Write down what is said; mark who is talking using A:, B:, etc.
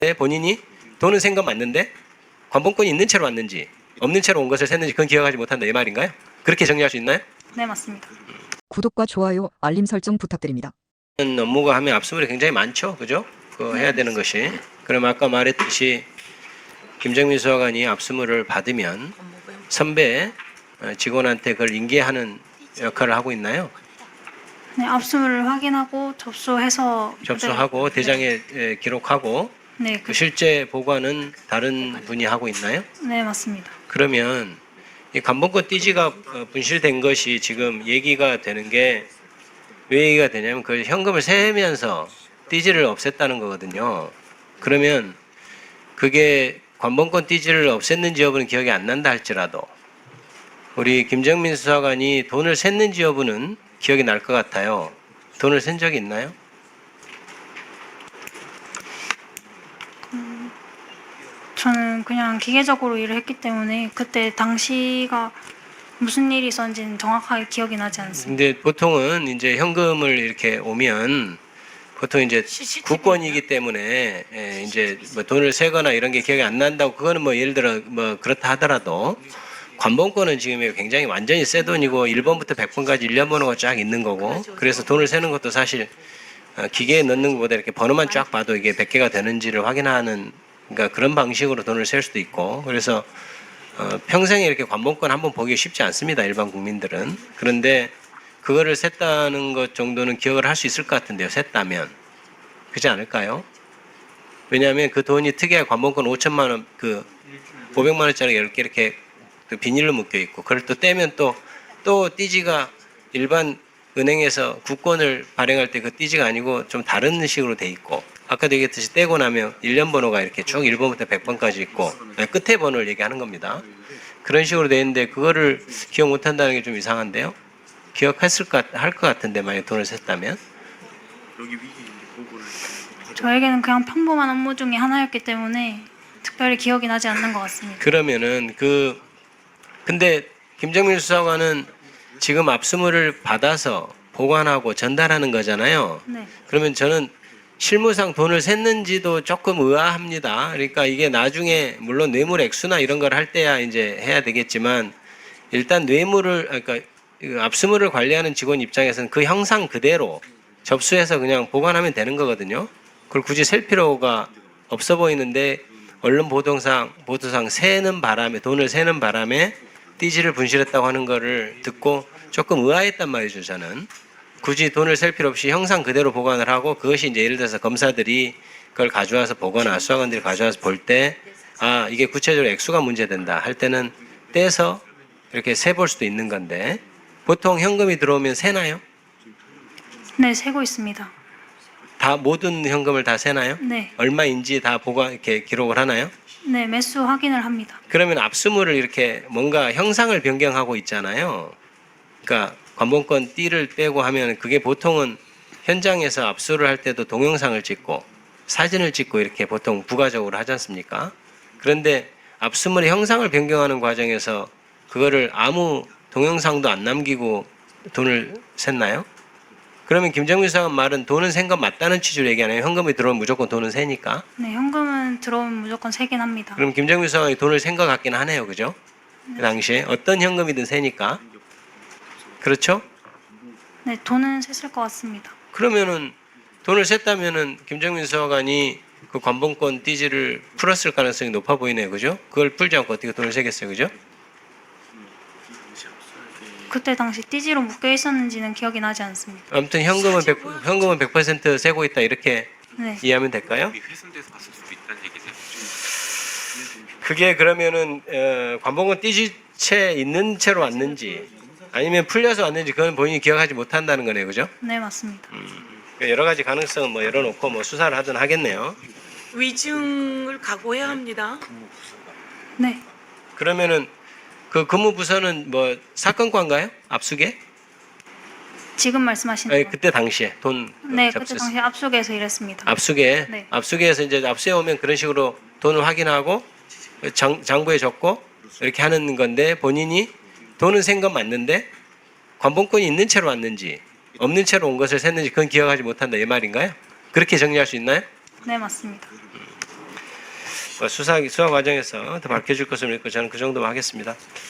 A: 본인이 돈은 센 건 맞는데 관본권이 있는 채로 왔는지 없는 채로 온 것을 샜는지 그건 기억하지 못한다 이 말인가요? 그렇게 정리할 수 있나요?
B: 네, 맞습니다.
C: 구독과 좋아요, 알림 설정 부탁드립니다.
A: 업무가 하면 압수물이 굉장히 많죠, 그죠? 그거 해야 되는 것이. 그럼 아까 말했듯이 김정민 수사관이 압수물을 받으면 선배 직원한테 그걸 인계하는 역할을 하고 있나요?
B: 네, 압수물을 확인하고
A: 접수하고 대장에 기록하고
B: 네,
A: 그 실제 보관은 다른 분이 하고 있나요?
B: 네, 맞습니다.
A: 그러면 이 관본권 띠지가 분실된 것이 지금 얘기가 되는 게 왜 얘기가 되냐면 그 현금을 세면서 띠지를 없앴다는 거거든요. 그러면 그게 관본권 띠지를 없앴는지 여부는 기억이 안 난다 할지라도 우리 김정민 수사관이 돈을 샜는지 여부는 기억이 날 것 같아요. 돈을 센 적이 있나요?
B: 저는 그냥 기계적으로 일을 했기 때문에 그때 당시가 무슨 일이 있었는지는 정확하게 기억이 나지 않습니다.
A: 근데 보통은 이제 현금을 이렇게 오면 보통 이제 국권이기 때문에 이제 뭐 돈을 세거나 이런 게 기억이 안 난다고 그거는 뭐 예를 들어 뭐 그렇다 하더라도 관본권은 지금 굉장히 완전히 새 돈이고 1번부터 100번까지 일련 번호가 쫙 있는 거고 그래서 돈을 세는 것도 사실 기계에 넣는 것보다 이렇게 번호만 쫙 봐도 이게 100개가 되는지를 확인하는 그러니까 그런 방식으로 돈을 셀 수도 있고 그래서 평생에 이렇게 관본권 한번 보기 쉽지 않습니다. 일반 국민들은. 그런데 그거를 셌다는 것 정도는 기억을 할 수 있을 것 같은데요. 셌다면. 그렇지 않을까요? 왜냐하면 그 돈이 특이하게 관본권 5천만 원, 그 500만 원짜리 10개 이렇게 비닐로 묶여 있고 그걸 또 떼면 또 띠지가 일반 은행에서 국권을 발행할 때 그 띠지가 아니고 좀 다른 식으로 돼 있고 아까도 얘기했듯이 떼고 나면 일련 번호가 이렇게 쭉 1번부터 100번까지 있고 끝에 번호를 얘기하는 겁니다. 그런 식으로 돼 있는데 그거를 기억 못 한다는 게 좀 이상한데요. 할 것 같은데 만약 돈을 셌다면
B: 저에게는 그냥 평범한 업무 중에 하나였기 때문에 특별히 기억이 나지 않는 것 같습니다.
A: 그러면은 근데 김정민 수사관은 지금 압수물을 받아서 보관하고 전달하는 거잖아요.
B: 네,
A: 그러면 저는 실무상 돈을 샜는지도 조금 의아합니다. 그러니까 이게 나중에 물론 뇌물 액수나 이런 걸 할 때야 이제 해야 되겠지만 일단 그러니까 압수물을 관리하는 직원 입장에서는 그 형상 그대로 접수해서 그냥 보관하면 되는 거거든요. 그걸 굳이 셀 필요가 없어 보이는데 언론 보도상 돈을 세는 바람에 띠지를 분실했다고 하는 거를 듣고 조금 의아했단 말이죠. 저는 굳이 돈을 셀 필요 없이 형상 그대로 보관을 하고 그것이 이제 예를 들어서 검사들이 그걸 가져와서 보거나 수사관들이 가져와서 볼 때 이게 구체적으로 액수가 문제된다 할 때는 떼서 이렇게 세볼 수도 있는 건데 보통 현금이 들어오면 세나요?
B: 네, 세고 있습니다.
A: 다 모든 현금을 다 세나요?
B: 네,
A: 얼마인지 다 이렇게 기록을 하나요?
B: 네, 매수 확인을 합니다.
A: 그러면 압수물을 이렇게 뭔가 형상을 변경하고 있잖아요. 그러니까 관본권 띠를 빼고 하면 그게 보통은 현장에서 압수를 할 때도 동영상을 찍고 사진을 찍고 이렇게 보통 부가적으로 하지 않습니까? 그런데 압수물의 형상을 변경하는 과정에서 그거를 아무 동영상도 안 남기고 돈을 샜나요? 그러면 김정민 수사관 말은 돈은 센 건 맞다는 취지로 얘기하나요? 현금이 들어오면 무조건 돈은 세니까.
B: 네, 현금은 들어오면 무조건 세긴 합니다.
A: 그럼 김정민 수사관이 돈을 센 것 같긴 하네요. 그죠? 그 당시에 어떤 현금이든 세니까. 그렇죠?
B: 네, 돈은 셌을 것 같습니다.
A: 그러면은 돈을 셌다면은 김정민 수사관이 그 관본권 띠지를 풀었을 가능성이 높아 보이네요. 그죠? 그걸 풀지 않고 어떻게 돈을 세겠어요. 그죠?
B: 그때 당시 띠지로 묶여 있었는지는 기억이 나지 않습니다.
A: 아무튼 현금은 100% 세고 있다 이렇게
B: 네,
A: 이해하면 될까요?
D: 훼손돼서 봤을 수도 있다는 얘기세요.
A: 그게 그러면은 관본권 띠지채 있는 채로 왔는지 아니면 풀려서 왔는지 그건 본인이 기억하지 못한다는 거네요. 그죠?
B: 네, 맞습니다.
A: 여러 가지 가능성은 뭐 열어놓고 뭐 수사를 하든 하겠네요.
E: 위증을 각오해야 합니다.
B: 네,
A: 그러면은 그 근무부서는 뭐 사건과인가요? 압수계?
B: 지금 말씀하시는
A: 아니,
B: 거.
A: 그때 당시에 돈
B: 네, 그때
A: 접수했을
B: 당시 압수에서 일했습니다.
A: 압수계.
B: 네.
A: 압수계에서 이제 압수해 오면 그런 식으로 돈을 확인하고 장부에 적고 이렇게 하는 건데 본인이 돈은 센 건 맞는데 관본권이 있는 채로 왔는지 없는 채로 온 것을 샜는지 그건 기억하지 못한다 이 말인가요? 그렇게 정리할 수 있나요?
B: 네, 맞습니다.
A: 수사 과정에서 더 밝혀질 것을 믿고 저는 그 정도만 하겠습니다.